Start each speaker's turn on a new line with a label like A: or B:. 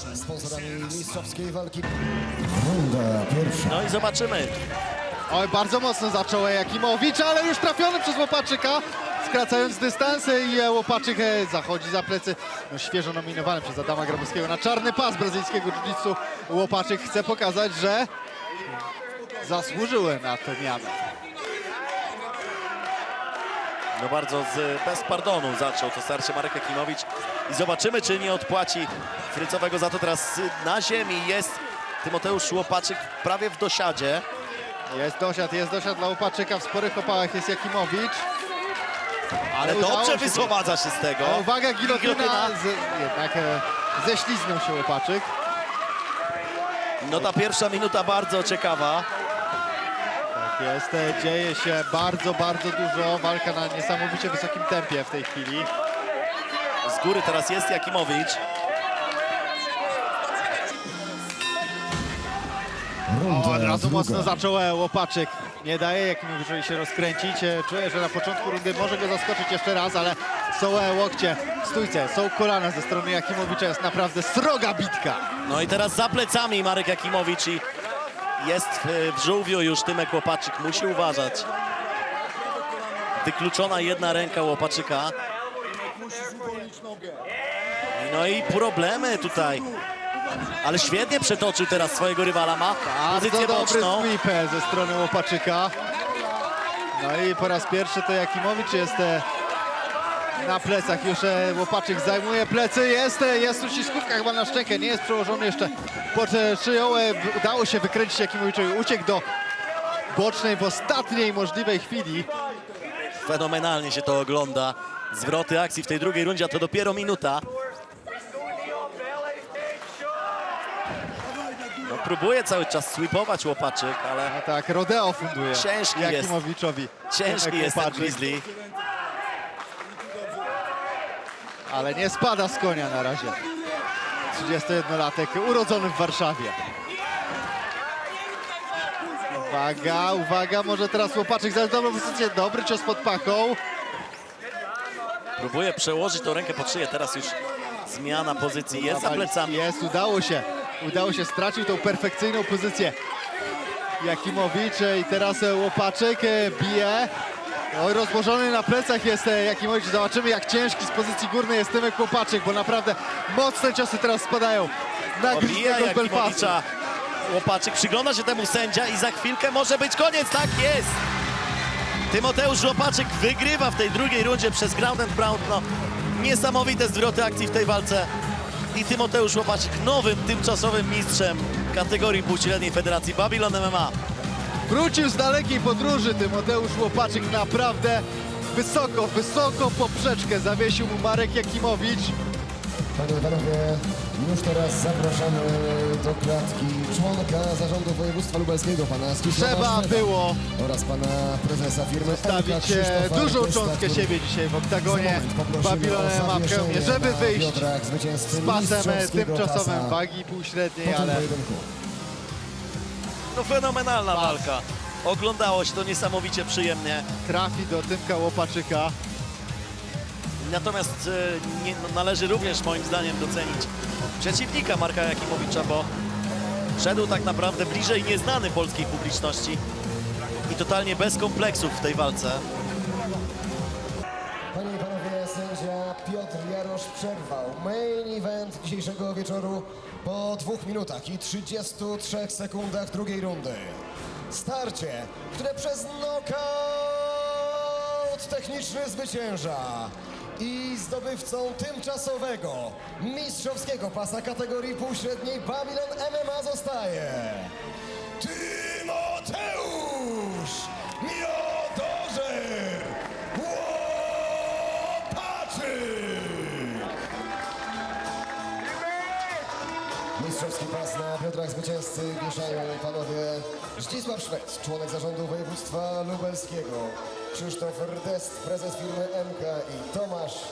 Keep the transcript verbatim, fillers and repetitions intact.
A: Sponsorami mistrzowskiej walki. Runda pierwsza.
B: No i zobaczymy.
C: Oj, bardzo mocno zaczął Jakimowicz, ale już trafiony przez Łopaczyka, skracając dystansy i Łopaczyk zachodzi za plecy. No, świeżo nominowany przez Adama Grabowskiego na czarny pas brazylijskiego jiu-jitsu. Łopaczyk chce pokazać, że zasłużyły na tę mianę.
B: No bardzo z, bez pardonu zaczął to starcie Marek Jakimowicz i zobaczymy, czy nie odpłaci Frycowego za to. Teraz na ziemi jest Tymoteusz Łopaczyk prawie w dosiadzie.
C: Jest dosiad, jest dosiad dla Łopaczyka, w sporych opałach jest Jakimowicz.
B: Ale
C: udało
B: dobrze
C: się-
B: wyprowadza się z tego.
C: A uwaga, gilotyna,
B: Gilotyna.
C: z, jednak e, ześliznął się Łopaczyk.
B: No ta pierwsza minuta bardzo ciekawa.
C: Tak jest, e, dzieje się bardzo, bardzo dużo. Walka na niesamowicie wysokim tempie w tej chwili.
B: Z góry teraz jest Jakimowicz.
A: Runda
C: O, od razu
A: druga.
C: mocno zaczął e, Łopaczyk. Nie daje Jakimowiczowi się rozkręcić. E, Czuję, że na początku rundy może go zaskoczyć jeszcze raz, ale są e, łokcie w stójce, są kolana ze strony Jakimowicza. Jest naprawdę sroga bitka.
B: No i teraz za plecami Marek Jakimowicz i jest w, w żółwiu już Tymek Łopaczyk. Musi uważać. Wykluczona jedna ręka Łopaczyka. No i problemy tutaj. Ale świetnie przetoczył teraz swojego rywala. Ma pozycję
C: Bardzo dobry
B: boczną.
C: sweep e, ze strony Łopaczyka. No i po raz pierwszy to Jakimowicz jest e, na plecach. Już e, Łopaczyk zajmuje plecy. Jest, e, jest uściskówka chyba na szczękę. Nie jest przełożony jeszcze pod e, szyją. E, w- Udało się wykręcić Jakimowiczowi. Uciekł do bocznej w ostatniej możliwej chwili.
B: Fenomenalnie się to ogląda. Zwroty akcji w tej drugiej rundzie, a to dopiero minuta. No, próbuje cały czas sweepować Łopaczyk, ale
C: A tak, rodeo funduje
B: Ciężki jest.
C: Jakimowiczowi.
B: ciężki
C: Tymek
B: jest ten
C: Łopaczyk.
B: Grizzly.
C: Ale nie spada z konia na razie. trzydziestojednolatek urodzony w Warszawie. Uwaga, uwaga, może teraz Łopaczyk za dobrą pozycję. Dobry cios pod pachą.
B: Próbuje przełożyć tą rękę pod szyję. Teraz już zmiana pozycji. Jest za plecami.
C: Jest, udało się. Udało się, stracił tą perfekcyjną pozycję Jakimowicz i teraz e, Łopaczyk e, bije. Oj, rozłożony na plecach jest e, Jakimowicz. Zobaczymy, jak ciężki z pozycji górnej jest Tymek Łopaczyk, bo naprawdę mocne ciosy teraz spadają na
B: Obija
C: Grizzly'ego z Belfastu.
B: Jakimowicza Łopaczyk. Przygląda się temu sędzia i za chwilkę może być koniec. Tak jest! Tymoteusz Łopaczyk wygrywa w tej drugiej rundzie przez ground and pound. No, niesamowite zwroty akcji w tej walce. I Tymoteusz Łopaczyk nowym, tymczasowym mistrzem kategorii półśredniej Federacji Babylon M M A.
C: Wrócił z dalekiej podróży Tymoteusz Łopaczyk, naprawdę wysoko, wysoko poprzeczkę zawiesił mu Marek Jakimowicz.
A: Panie i panowie, już teraz zapraszamy do klatki członka zarządu województwa lubelskiego, pana Zdzisława
C: Trzeba
A: Szweda
C: było
A: oraz pana prezesa firmy
C: stawić
A: Elka Krzysztofa
C: dużą
A: Artysta,
C: cząstkę
A: który
C: siebie dzisiaj w
A: za
C: oktagonie
A: moment poprosimy
C: Babylon
A: o
C: M M A w
A: zawieszenie
C: Chełmie, żeby
A: na
C: wyjść
A: biodrach zwycięzcy
C: z pasem
A: mistrzowskiego
C: tymczasowym
A: pasa
C: wagi półśredniej,
A: po tym
C: ale
A: pojedynku.
B: No fenomenalna walka. Oglądało się to niesamowicie przyjemnie.
C: trafi do Tymka Łopaczyka.
B: Natomiast e, nie, no, należy również moim zdaniem docenić przeciwnika Marka Jakimowicza, bo szedł tak naprawdę bliżej nieznany polskiej publiczności i totalnie bez kompleksów w tej walce.
A: Panie i panowie, sędzia Piotr Jarosz przerwał main event dzisiejszego wieczoru po dwóch minutach i trzydziestu trzech sekundach drugiej rundy. Starcie, które przez knockout techniczny zwycięża i zdobywcą tymczasowego mistrzowskiego pasa kategorii półśredniej Babylon M M A zostaje Tymoteusz Miodożer Łopaczyk! Mistrzowski pas na biodrach zwycięzcy wieszają panowie Zdzisław Szwed, członek zarządu województwa lubelskiego, Krzysztof Rdest, prezes firmy M K i Tomasz